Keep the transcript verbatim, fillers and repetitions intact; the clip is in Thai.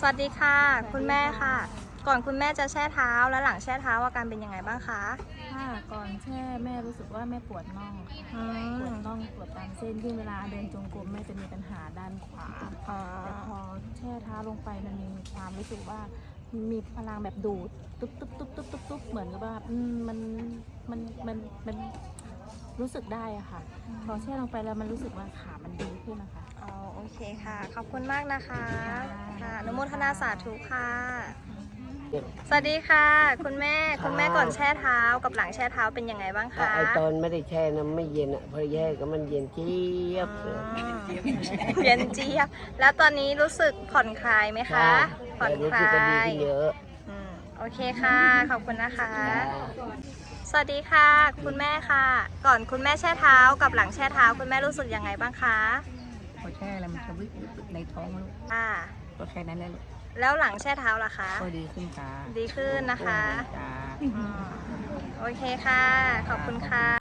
วัสดีค่ะคุณแม่ค่ะ ก่อนคุณแม่จะแช่เท้าและหลังแช่เท้าอาการเป็นยังไงบ้างคะค่ะก่อนแช่แม่รู้สึกว่าแม่ปวดน่องอืค่ะปวดมน่องปวดตามเส้นที่เวลาเดินจงกรมแม่จะมีปัญหาด้านขวาอ๋อแต่พอแช่เท้าลงไปมันมีความรู้สึกว่ามีพลังแบบดูดตุ๊บตุ๊บตุ๊บตุ๊บตุ๊บตุ๊บเหมือนกับว่าอืมมันมันมันมันรู้สึกได้อะค่ะพอแช่ลงไปแล้วมันรู้สึกว่าขามันดีขึ้นนะคะอ๋อโอเคค่ะ ขอบคุณมากนะคะค่ะอนุโมทนาสาธุค่ะ สวัสดีค่ะ คุณแม่คุณแม่ก่อนแช่เท้ากับหลังแช่เท้าเป็นยังไงบ้างคะไอตอนไม่ได้แช่น้ำไม่เย็นอ่ะพอแย่ก็มันเย็นเจี๊ยบเลยอืมเย็นเจี๊ยบแล้วตอนนี้รู้สึกผ่อนคลายไหมคะ ผ่อนรู้คสึกลาก็ดียขึ้นเยอะอืมโอเคค่ะ ขอบคุณนะคะจ้าสวัสดีค่ะ คุณแม่ค่ะ ก่อนคุณแม่แช่เท้ากับหลังแช่เท้าคุณแม่รู้สึกยังไงบ้างคะพอแช่แล้วมันจะวิบในท้องลูกค่ะก็แค่นั้นแหละลูกแล้วหลังแช่เท้าล่ะคะก็ดีขึ้นค่ะดีขึ้นนะคะจ้าอืมโอเคค่ะ ขอบคุณค่ะ